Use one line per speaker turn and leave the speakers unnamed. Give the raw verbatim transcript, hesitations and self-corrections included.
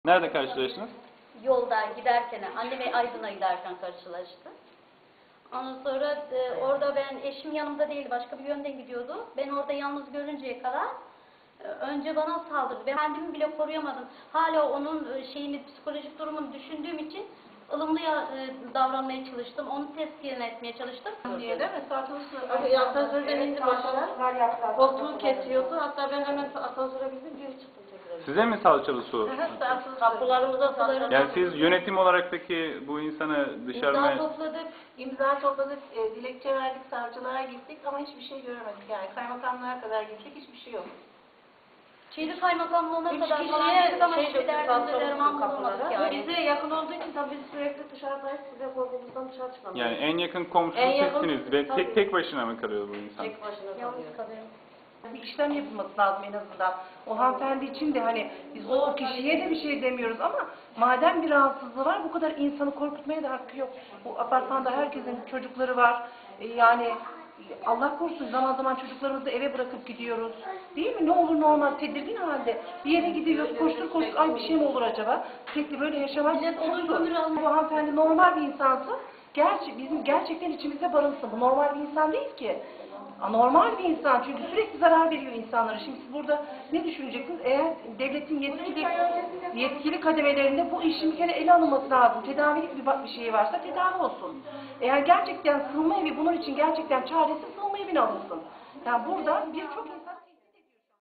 Nerede karşılaştınız?
Yolda giderken, anneme Aydın'a giderken karşılaştı. Ondan sonra e, orada ben, eşim yanımda değil, başka bir yönden gidiyordu. Ben orada yalnız görünceye kadar e, önce bana saldırdı. Ben kendimi bile koruyamadım. Hala onun e, şeyini, psikolojik durumunu düşündüğüm için ılımlı ya, e, davranmaya çalıştım. Onu teskin etmeye çalıştım.
Diye değil mi? Asansör, asansörden indi aşağı. Koltuğu kesiyordu. Hatta ben hemen asansöre bindim, geri çıktım tekrar.
Size mi salçalı su?
Kapılarımıza salçalı.
Yani siz yönetim olarak peki bu insanı dışarıya...
İmza topladık, imza topladık, e, dilekçe verdik, savcılara gittik ama hiçbir şey göremedik. Yani kaymakamlara kadar gittik, hiçbir şey yok.
Şehir kaymakamlığına
Üç
kadar
kişiye
falan gittik ama
şey
hiçbir
döktük,
derdimize
salçalı
derman
su
bulamadık
kapılara.
yani.
Bize yakın olduğu için tabii biz sürekli dışarıdayız, size korkumuzdan dışarı çıkamıyoruz.
Yani en yakın komşu
En yakın-
sizsiniz ve
tabii.
tek tek başına mı kalıyor bu insan?
Tek başına
Yalnız
kalıyor.
kalıyorum.
Bir işlem yapılması lazım en azından. O hanımefendi için de hani biz o, o kişiye de bir şey demiyoruz ama madem bir rahatsızlığı var bu kadar insanı korkutmaya da hakkı yok. Bu apartmanda herkesin çocukları var. E, yani Allah korusun zaman zaman çocuklarımızı eve bırakıp gidiyoruz. Değil mi? Ne olur ne olmaz tedirgin halde. Bir yere gidiyoruz koştur koştur ay bir şey mi olur acaba? Sürekli böyle yaşamak
Millet
çok
olur
zor.
ömür almıyor.
Bu hanımefendi normal bir insansa gerçi bizim gerçekten içimizde barınsın. Bu normal bir insan değil ki. Anormal bir insan çünkü sürekli zarar veriyor insanlara. Şimdi siz burada ne düşüneceksiniz? Eğer devletin yetkili yetkili kademelerinde bu işin bir kere ele alınması lazım. Tedavilik bir, bir şey varsa tedavi olsun. Eğer gerçekten sığınma evi bunun için gerçekten çaresi sığınma evine alınsın. Yani burada birçok insan